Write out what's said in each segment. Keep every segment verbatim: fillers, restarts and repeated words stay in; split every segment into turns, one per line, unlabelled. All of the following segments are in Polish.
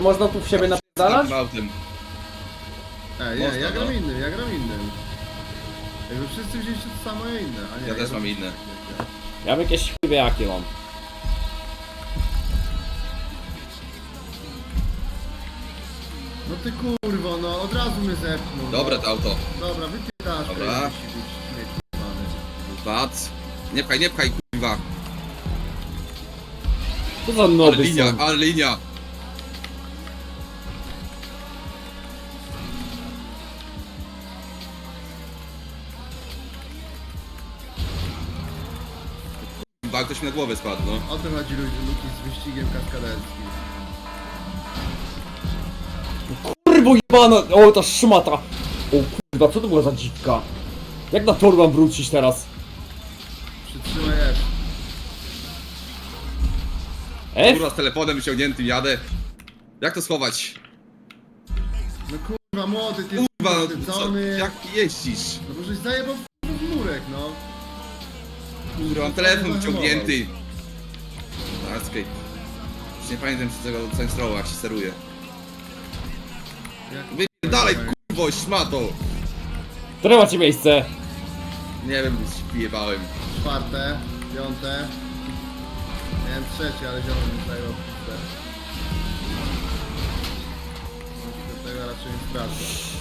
Można tu w siebie napierdalać?
Autem.
Ej, nie,
Można,
ja gram
no.
innym, ja gram innym. Jakby wszyscy wzięliście to samo, ja inne. A nie,
Ja też
gram-
mam inne.
Ja bym jakieś chwywie jakie mam.
No ty kurwo, no od razu mnie zepchnął.
Dobra
no.
to auto.
Dobra, wypierasz.
Dobra. Patrz. Nie pchaj, nie pchaj, kurwa.
Co za
Ale
noby
linia,
są?
ale linia. Kurwa, ktoś mi na głowę spadł, no.
O to chodzi ludzie, Luki z wyścigiem kaskaderskim.
Kurwo jebana! O, ta szmata! O kurwa, co to była za dziwka? Jak na tor mam wrócić teraz?
Przytrzymaj F.
F?
Kurwa, z telefonem wyciągniętym jadę. Jak to schować?
No kurwa młody, ty
Kurwa,
jesteś
no, co,
poświęcony.
jak jeździsz?
No bo żeś zajebał w murek, no.
Kurwa, mam telefon wyciągnięty. Escape. Już nie pamiętam z tego Saints-Rowa, jak się steruje.
Jak...
Dalej, kurwo, szmato!
Które macie miejsce?
Nie wiem, wyjebałem.
Czwarte, piąte. Miałem trzecie, ale ziomek mi zajebał pustę. Do tego raczej nie sprawdzę.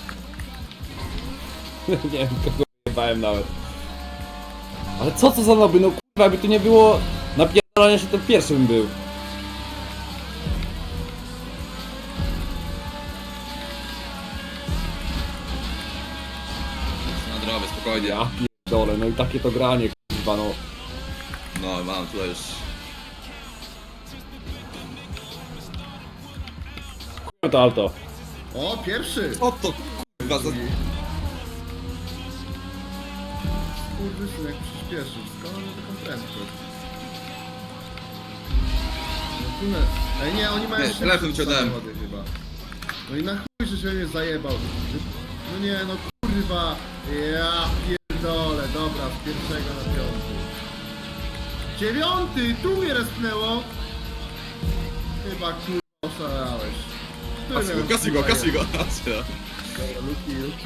Nie wiem, kogo jebałem nawet. Ale co to za noby? No kurwa, jakby tu nie było napierdalania się, to pierwszy bym był.
Na drogę, spokojnie.
Ja pierdolę, no i takie to granie, kurwa, no.
No, mam tutaj już.
Kurwa to auto.
O, pierwszy!
O to kurwa, za...
Skurwysyn jak przyspieszył, skąd on ma taką prędkość? No tunel. Ej nie, oni mają
Nie,
szybsze
telefon ci oddałem.
samochody chyba. No i na chuj, że się mnie zajebał. No nie, no kurwa. Ja pierdolę, dobra, z pierwszego na piąty. Dziewiąty! Tu mnie respnęło! Chyba kurwa oszalałeś. Tu
Kasuj go,
mnie,
kasuj go,
kurwa,
kasuj go.
Dobra, Luki, Luki.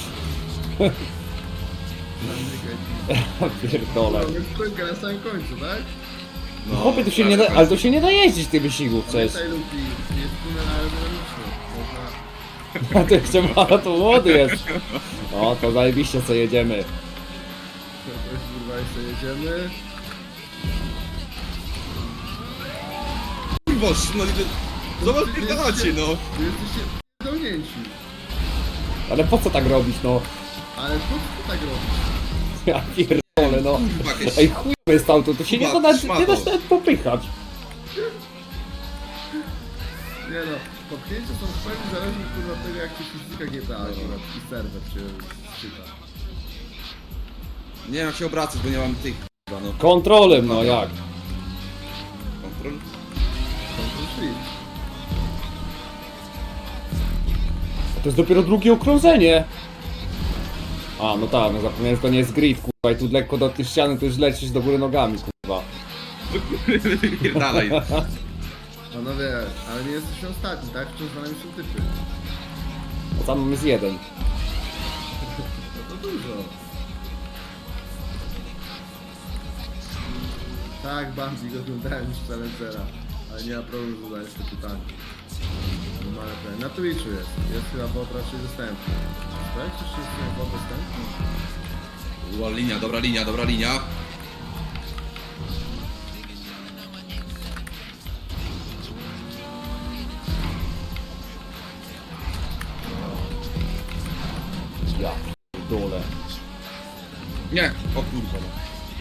Pierdolę.
Mamy sprinkę na samym końcu, tak?
No,
Chłopie, tu się nie da, ale tu się nie da jeździć tych wyścigów przecież.
Pamiętaj Luki, jest tunel aerodynamiczny. Można...
A ty jeszcze ma, to młody jest. O, to zajebiście co jedziemy.
To kurwa jeszcze jedziemy.
Kurwa, no i zobacz, pierdolacie, no.
Wy jesteście pierdolnięci.
Ale po co tak robić, no?
Ale po co ty tak robisz?
Ja pierdolę, no.
Kurwa, jakieś...
Ej, chuj jest auto, to się nie da
Kurwa,
nawet,
szmato.
nie da się nawet popychać.
Nie no, popchnięcia są w pełni zależne kurwa od tego jak ci fizyka G T A akurat i serwer cię czyta.
Nie wiem jak się obracać, bo nie mam tych, kurwa, no.
Kontrolem, no jak?
Kontrol?
Control Shift.
To jest dopiero drugie okrążenie. A, no tak, no zapomniałem, że to nie jest grid, kurwa, i tu lekko do tej ściany, to już lecisz do góry nogami, kurwa.
Dalej.
Panowie, ale nie jesteśmy ostatni, tak? Wciąż za nami są typy.
Bo tam jest jeden.
No to dużo. Tak, Bambi go oglądałem już Challengera, ale nie ma problemu z zadaniem te pytanie. Normalne pytanie. Na Twitchu jest, jest chyba bot raczej dostępny. Tak? Czy jeszcze jest bot dostępny?
Była linia, dobra linia, dobra linia.
Ja pierdolę.
Nie, o kurwa, no.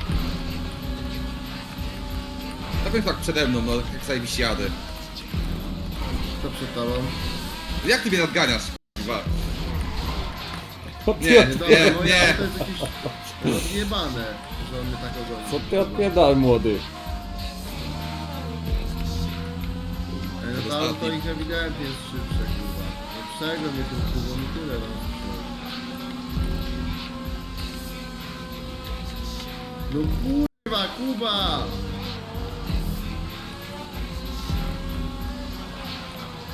Na pewno tak przede mną, no, jak zajebiście jadę.
Kto przed tobą?
Jak ty mnie nadganiasz, kurwa?
Co
Nie,
ty,
nie,
od...
Dobra,
nie,
moje
nie.
auto jest jakieś zjebane, że on mnie tak ogoni.
co ty odpierdal, młody?
Ej, no to auto ich ewidentnie jest szybsze, kurwa. No przegro mnie tym kubą i tyle, no. No kurwa, Kuba!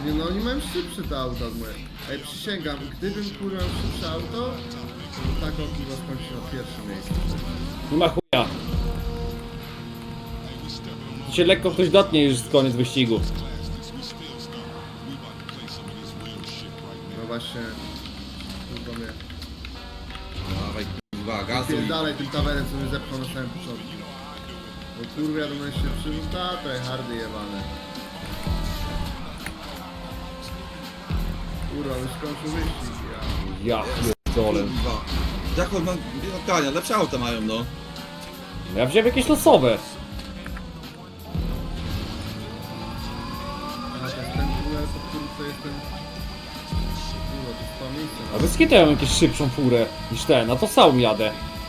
Nie no, oni mają szybsze te auta od moje. Ej, przysięgam, gdybym kurwa miał szybsze auto, to tak on kurwa skończył na pierwszym miejscu.
Nie ma chuja. Się lekko ktoś dotknie już z koniec wyścigu.
No właśnie, kurwa mnie.
Dawaj, kurwa, gazuj.
Dalej tym tawerem, co mnie zepchnął na samym początku. Bo kurwa jadą najszybszy, no ta tryhardy jebane. Kurwa, już skończył wyścig, ja.
Ja pierdolę.
Kurwa. Jak on ma... Gania, lepsze auta mają, no.
Ja wziąłem jakieś losowe.
A to jest ten tunel, pod którym to jest ten... Kurwa, to jest to miejsce.
A bez kitu ja mam jakąś szybszą furę niż ten, a to sam jadę.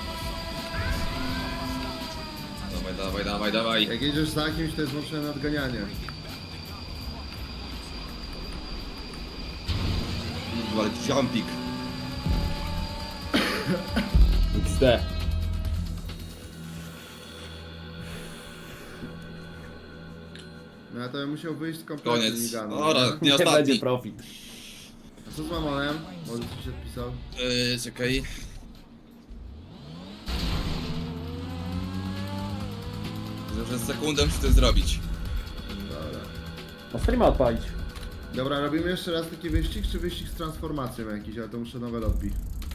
Dawaj, dawaj, dawaj, dawaj.
Jak jedziesz za kimś, to jest włączone nadganianie.
Kurwa, ale jumpik.
X D.
No ja to bym musiał wyjść z kompletu
Koniec.
miganu.
Ora, nie
Nie będzie
ostatni.
profit.
A co z Mamonem? Może coś odpisał?
Yy, czekaj. Że sekundę muszę to zrobić.
Dobra.
No streama odpalić.
Dobra, robimy jeszcze raz taki wyścig, czy wyścig z transformacją jakiś, ale to muszę nowe lobby.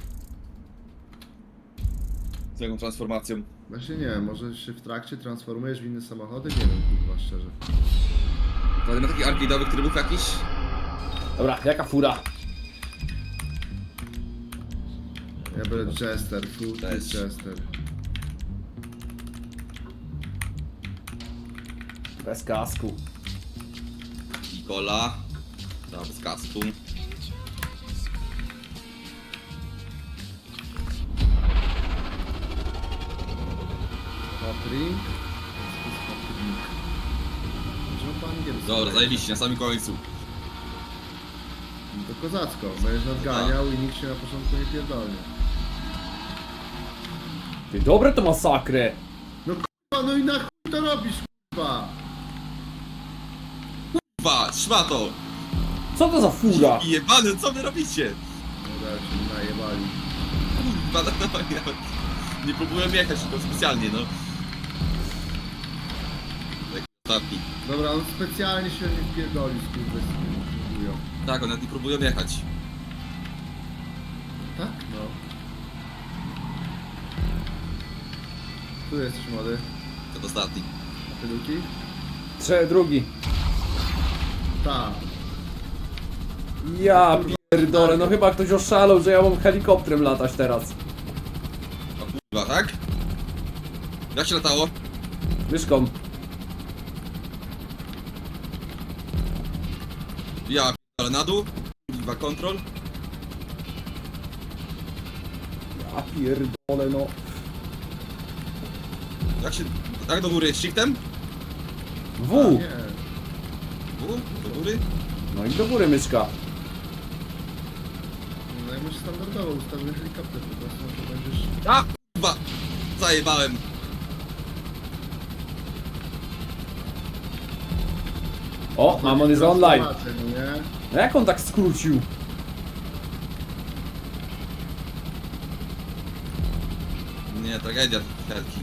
Z jaką transformacją?
Właśnie nie wiem, może się w trakcie transformujesz w inne samochody? Nie wiem, kurwa, szczerze.
Ale ma takich arcade'owych trybów jakiś?
Dobra, jaka fura?
Ja biorę Chester, full
Też.
Chester.
Bez kasku.
Nikola. Dobra, bez kasku.
Patrick. Czemu po angielsku?
Dobra, zajebiście, na samym końcu.
To kozacko, będziesz nadganiał i nikt się na początku nie pierdolnie.
Ty, dobre to masakrę.
No kurwa, no i na chuj to robisz, kurwa!
Kurwa, szmato!
Co to za fura?
I jebany, co wy robicie?
No ja się najebali.
Kurwa, no, no, ja nie próbuję jechać tylko specjalnie, no. Tak, ostatni.
Dobra, on specjalnie się nie wpierdolił, kurwa, mówią.
Tak, one nie próbują jechać.
Tak? No. Tu jesteś młody.
To ostatni.
A ty Luki?
Trze, drugi.
Tak.
Ja pierdolę, no chyba ktoś oszalał, że ja mam helikopterem latać teraz.
O kurwa, tak? Jak się latało?
Myszką.
Ja ale na dół. Kurwa, kontrol.
Ja pierdolę, no.
Jak się... Tak do góry, shiftem?
W.
Nie.
U, do góry?
No i do góry myszka.
No jak masz standardowo ustawiony helikopter, po prostu no to będziesz...
A kurwa! Zajebałem.
O, Mamon jest online.
Transformację, no nie?
No jak on tak skrócił?
Nie, tragedia helki.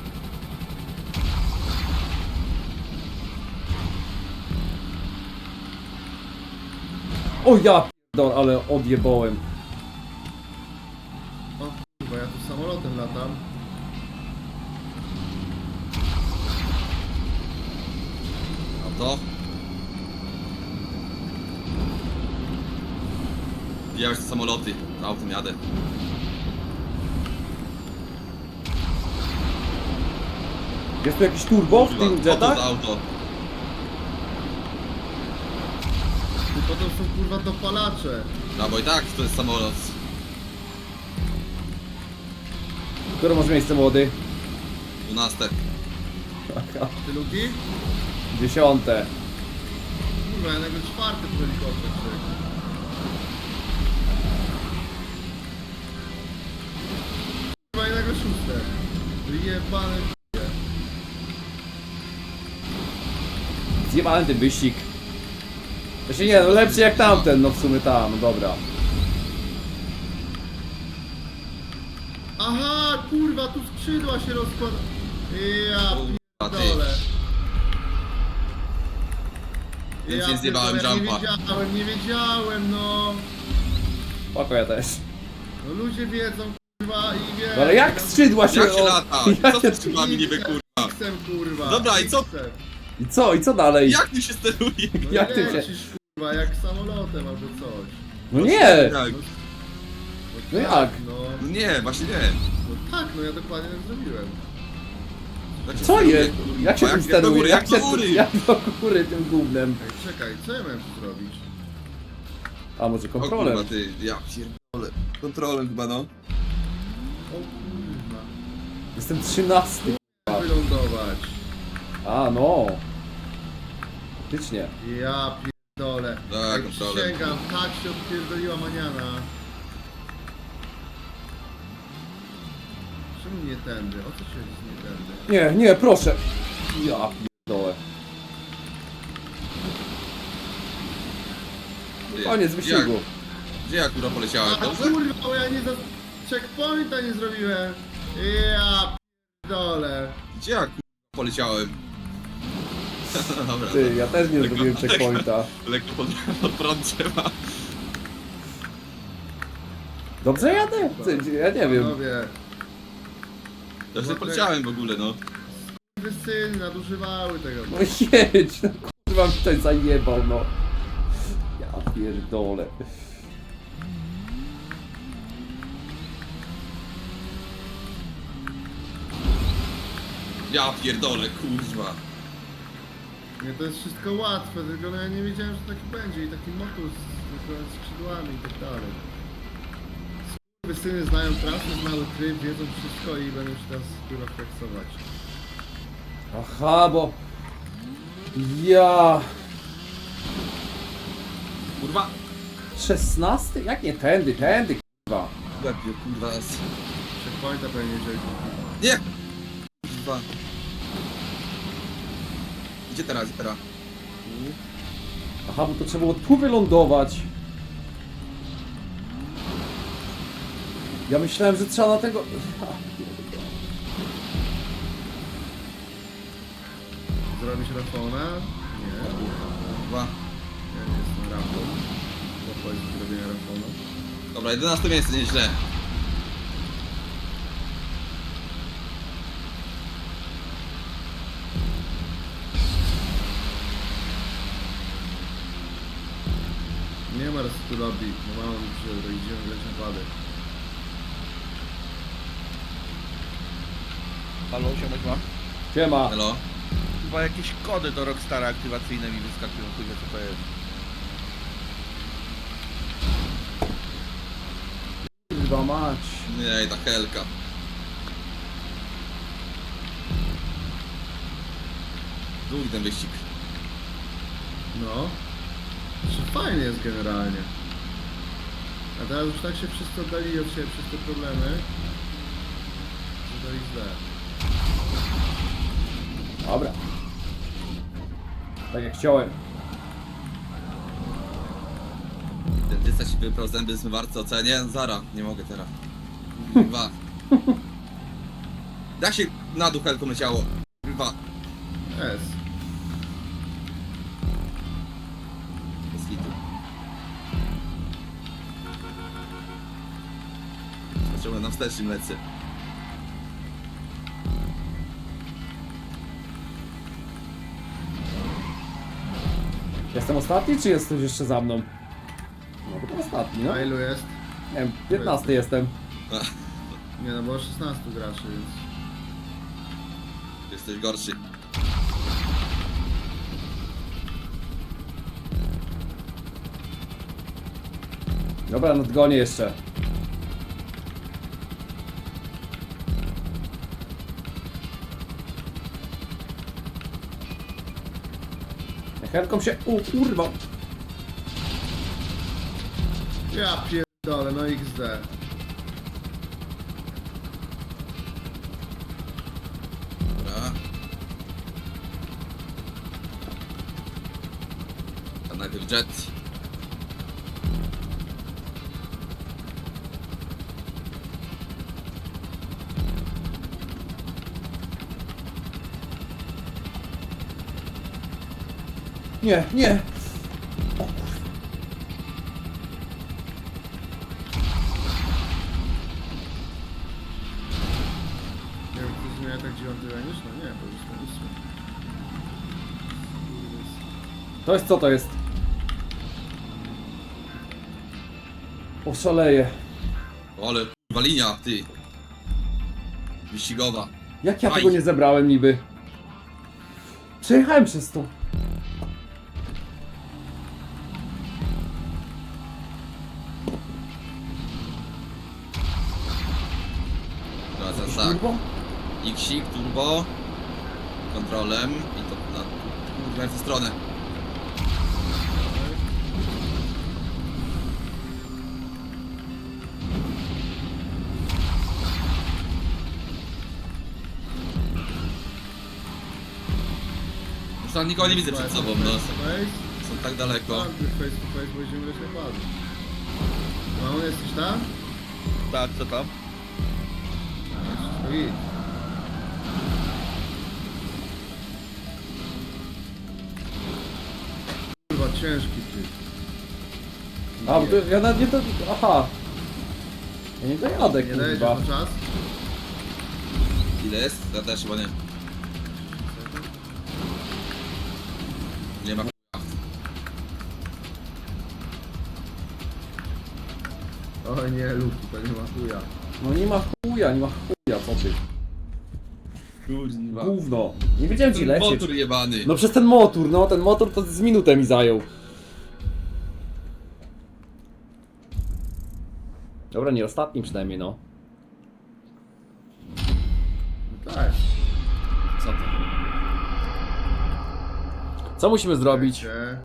O ja pierdolę, ale odjebałem.
O kurwa, ja tu samolotem latam.
A to? Ja już te samoloty. Autem jadę.
Jest tu jakiś turbo w
Kurwa,
tym
co to
jetach?
za auto?
I potem są kurwa dopalacze.
No bo i tak to jest samolot.
Które masz miejsce, młody?
dwunaste.
Ty Luki?
Dziesiąte.
Kurwa, ja nagle czwarty w helikopter człowiek. Kurwa, ja nagle szóste. Wyjebane k***e.
Zjebałem ten wyścig. To się nie, no lepszy jak tamten, no w sumie tam, no dobra.
Aha, kurwa, tu skrzydła się rozkłada. Ja
Kurwa, ty.
pierdolę.
Więc
Ja
nie zjebałem
pierdolę,
jumpa.
Nie wiedziałem, nie wiedziałem, no.
Spoko, ja też.
No ludzie wiedzą, kurwa, i wiedzą.
No ale jak skrzydła się...
Jak się
o-
lata?
jak
Co
się-
z skrzydłami niby, kurwa?
X-em, kurwa.
Dobra, i co?
X-em.
I co, i co dalej?
Jak tu się steruje?
No
Jak
jak
ty
ty
się-
lecisz, kurwa, jak samolotem albo coś.
No nie!
Jak?
No
tak,
jak?
No,
No nie, właśnie nie.
no tak, no ja dokładnie tak zrobiłem.
Jak się
Co
steruje,
jest?
kurwa?
Jak się
jak,
tym
jak do
steruje?
góry, jak
Jak
do
się
góry?
jak do góry tym gównem?
Ej, czekaj, co ja miałem tu zrobić?
A może
O kurwa,
kontrolem?
ty, ja pierdolę. Kontrolem chyba, no.
O kurwa.
Jestem trzynasty.
Jak wylądować?
A no. Faktycznie.
Ja pierdolę.
Tak,
Ej,
kontrolem.
przysięgam, tak się odpierdoliła maniana. Czemu nie tędy? O co się chodzi z nie tędy?
Nie, nie, proszę. Ja pierdolę.
Ty,
Koniec
jak-
wyścigu.
Gdzie ja kurwa poleciałem?
A
Dobrze?
kurwa, bo ja nie za... checkpointa nie zrobiłem. Ja pierdolę.
Gdzie ja kurwa poleciałem? Dobra,
Ty, ja też nie
Lekko-
zrobiłem checkpointa.
lekko pod, pod prąd trzeba.
Dobrze jadę? Ty, ja nie wiem.
Panowie,
Ja sobie poleciałem w ogóle, no.
wy syny nadużywały tego.
No jedź, no kurwa mi ktoś zajebał, no. Ja pierdolę.
Ja pierdolę, kurwa.
Nie, to jest wszystko łatwe, tylko no ja nie wiedziałem, że taki będzie i taki motor z, z skrzydłami i tak dalej. Wy syny znają trasę, znały tryb, wiedzą wszystko i będą się teraz kurwa flexować.
Aha, bo... Ja...
Kurwa.
szesnasty? Jak nie tędy, tędy, kurwa.
Łebie, kurwa. z-
Checkpointa pewnie wziąć.
Nie! Kurwa. Gdzie teraz, teraz?
Aha, bo to trzeba było tu wylądować. Ja myślałem, że trzeba na tego... Ja pierdolę.
Zrobić Rafona? Nie.
Kurwa.
Ja nie jestem Rafon. Pochodzi z zrobienia Rafona.
Dobra, jedenaste miejsce, nieźle.
Nie ma resetu lobby, no mało mi przyjdzie, to idziemy grać napady.
Halo, ziomek ma?
Siema.
Hello?
Chyba jakieś kody do Rockstara aktywacyjne mi wyskakują, chuj wie co to jest.
Kurwa mać.
Nie, ta helka. Długi ten wyścig.
No. Znaczy fajnie jest generalnie. A teraz już tak się wszyscy oddali od siebie przez te problemy, że to jest źle.
Dobra. Tak jak chciałem.
Dentysta ci wyprał zęby zmywarce ocenie? Zara, nie mogę teraz. Dwa. Jak się na dół helką leciało? Dwa.
S.
Bez hitu. Zacząłem na wstecznym lecę.
Jestem ostatni, czy jesteś jeszcze za mną? No to ostatni, no.
A ilu jest?
Nie wiem, piętnasty jestem.
Nie no, było szesnastu graczy, więc...
Jesteś gorszy.
Dobra, nadgonię jeszcze. Helką się... U, kurwa.
Ja pierdolę, no X D.
Dobra. A najpierw jet.
Nie, nie!
Nie wiem, czy zmienia tak dziewiąty ranisz? No nie, bo już na ósmy.
To jest co to jest? Oszaleję.
Ale kurwa linia, ty. Wyścigowa.
Jak ja
Aj.
tego nie zebrałem niby? Przejechałem przez to.
Teraz teraz tak.
Kurwa?
X-ik, turbo. Kontrolem i to na kurwa w tę stronę. Już tam nikogo nie widzę przed sobą, no.
Face
Są tak daleko.
to face, face to face, bo będziemy lecieć padł. No, jesteś tam?
Tak, co tam?
To idź. Kurwa, ciężki ty.
A, bo to ja nawet nie to... Aha. Ja nie dojadę,
Nie dajesz
kurwa.
na czas?
Ile jest? Ja też chyba nie. Nie ma
O nie, Luki, to nie ma chuja.
No nie ma chuja, nie ma chuja, co ty?
kurwa.
Gówno. Nie wiedziałem ci
Ten
lecieć.
motor jebany.
No przez ten motor, no ten motor to z minutę mi zajął. Dobra, nie ostatni przynajmniej, no.
No tak.
Co to?
Co musimy zrobić?
Cię.